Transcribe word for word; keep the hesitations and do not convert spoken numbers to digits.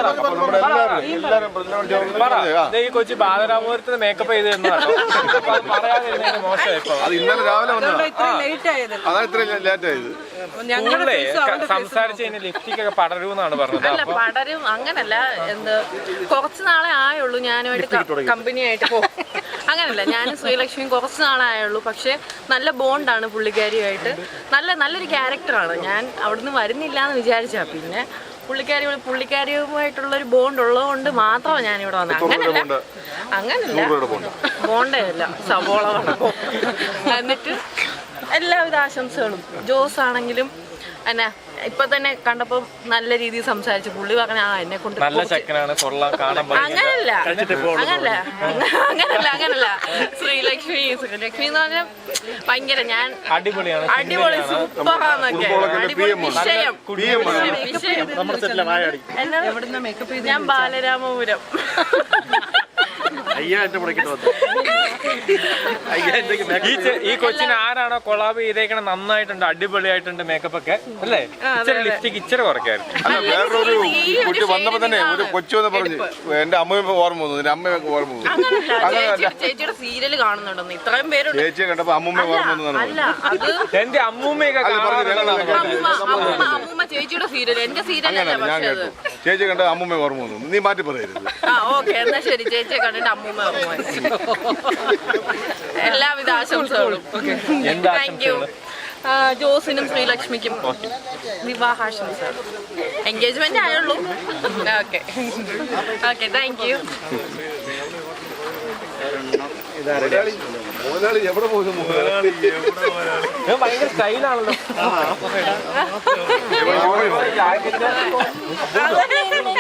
ഈ കൊച്ചി ബാലരാമപുരത്ത് മേക്കപ്പ് ചെയ്ത് പറയാതിരുന്നതിന് മോശമായി. അത് ഇന്നലെ രാവിലെ ഞങ്ങളെ സംസാരിച്ച് കഴിഞ്ഞാൽ ലിപ്സ്റ്റിക് ഒക്കെ പടരുമെന്നാണ് പറഞ്ഞത്. അല്ല പടരും അങ്ങനല്ല, എന്ത് കുറച്ച് നാളെ ആയുള്ളൂ ഞാനുമായിട്ട് കമ്പനി ആയിട്ട് പോകും. അങ്ങനല്ല, ഞാനും ശ്രീലക്ഷ്മിയും കുറച്ച് നാളെ ആയുള്ളൂ. പക്ഷെ നല്ല ബോണ്ടാണ് പുള്ളിക്കാരിയുമായിട്ട്. നല്ല നല്ലൊരു ക്യാരക്ടറാണ്. ഞാൻ അവിടുന്ന് വരുന്നില്ല എന്ന് വിചാരിച്ചാ, പിന്നെ പുള്ളിക്കാരി പുള്ളിക്കാരിയുമായിട്ടുള്ളൊരു ബോണ്ട് ഉള്ളതുകൊണ്ട് മാത്രമാണ് ഞാനിവിടെ വന്നത്. അങ്ങനല്ല അങ്ങനല്ല ബോണ്ടേ അല്ല, സവോള വടക്കും. എന്നിട്ട് എല്ലാവിധ ആശംസകളും. ജോസ് ആണെങ്കിലും എന്നാ ഇപ്പൊ തന്നെ കണ്ടപ്പോ നല്ല രീതിയിൽ സംസാരിച്ചു. പുള്ളി പറഞ്ഞ ആ എന്നെ കൊണ്ട് അങ്ങനല്ല അങ്ങനല്ല അങ്ങനല്ല അങ്ങനല്ല ശ്രീലക്ഷ്മി ശ്രീലക്ഷ്മി എന്ന് പറഞ്ഞാൽ ഭയങ്കര ഞാൻ അടിപൊളിയാണ്, അടിപൊളി സൂപ്പറാന്നൊക്കെ. അടിപൊളി വിഷയം വിഷയം ഞാൻ ബാലരാമപുരം. ഈ കൊച്ചിന് ആരാണോ കൊളാബ് ചെയ്തേക്കണ നന്നായിട്ടുണ്ട്, അടിപൊളിയായിട്ടുണ്ട് മേക്കപ്പ് ഒക്കെ അല്ലേ? ഇച്ചിരി ലിപ്സ്റ്റിക് ഇച്ചിരി കുറയ്ക്കായിരുന്നു. അല്ല വേറൊരു കുട്ടി വന്നപ്പോ തന്നെ ഒരു കൊച്ചു വന്ന് പറഞ്ഞു എന്റെ അമ്മയൊക്കെ ഓർമ്മ വന്നു, എന്റെ അമ്മയൊക്കെ ഓർമ്മ വന്നു. അങ്ങനെയല്ല, ചേച്ചിയുടെ സീരിയല് കാണുന്നുണ്ടെന്ന് ഇത്രയും പേരുണ്ട്. ചേച്ചിയെ കണ്ടപ്പോ അമ്മൂമ്മ ഓർമ്മ വന്നു. അല്ല അത് എന്റെ അമ്മൂമ്മയൊക്കെ അമ്മൂമ്മ ചേച്ചിയുടെ സീരിയൽ, എന്റെ സീരിയലല്ല. ഞാൻ കേട്ടു ചേച്ചി കണ്ട അമ്മൂമ്മ ഓർമ്മ വന്നു. നീ മാറ്റി പറയരുത്. ആ ഓക്കെ, എന്നാ ശരി. ചേച്ചിയെ കണ്ടിട്ട് അമ്മൂമ്മ ഓർമ്മ. എല്ലാവിധ ആശംസകളും. Thank you. ജോസിനും ശ്രീലക്ഷ്മിക്കും വിവാഹാശംസ. എൻഗേജ്മെന്റ് ആയുള്ളൂ. Okay okay, thank you. എവിടെ പോകുന്നു? ഭയങ്കര സ്റ്റൈലാണല്ലോ.